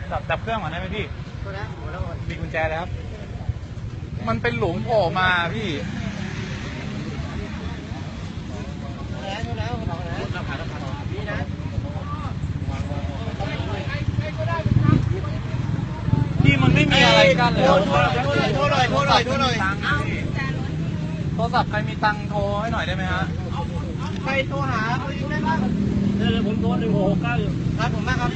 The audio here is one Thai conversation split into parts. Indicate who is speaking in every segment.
Speaker 1: ดับเครื่องก่อนได้ไหมพี่มีกุญแจแล้วครับมันเป็นหลุมโผล่มาพี่พี่มันไม่มีอะไรกันเลยโทรหน่อยโทรหน่อยโทรศัพท์ใครมีตังค์โทรให้หน่อยได้ไหมฮะใครโทรหาเขาอยู่ได้บ้างเดี๋ยวผมโทร1669อยู่ครับผมมากครับ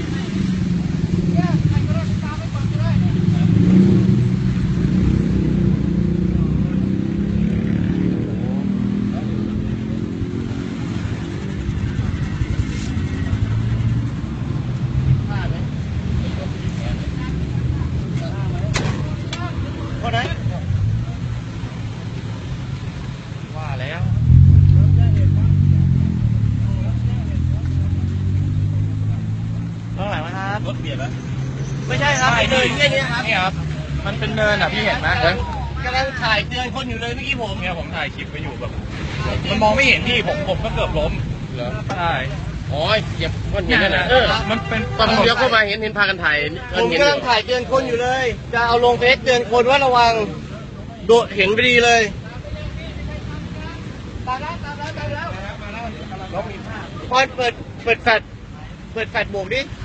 Speaker 1: คนไหนว่าแล้วเท่าไหร่มาครับรถเบียดแล้วไม่ใช่ครับเดินแค่นี้ครับนี่ครับมันเป็นเนินอ่ะพี่เห็นไหมกำลังถ่ายเตือนคนอยู่เลยเมื่อกี้ผมถ่ายคลิปไปอยู่แบบมันมองไม่เห็นพี่ผมก็เกือบล้มเหรอใช่
Speaker 2: อ๋อเหยียบก้อนหินนั่นแหละ
Speaker 1: มันเป็น
Speaker 2: ตอนผมเลี้ยวเข้ามาเห็นพากันถ่าย
Speaker 3: ผมกำลังถ่ายเตือนคนอยู่เลยจะเอาลงเฟซเตือนคนว่าระวังโดดเห็นพอดีเลยตามแล้วพอเปิดแฟลชโบกดิ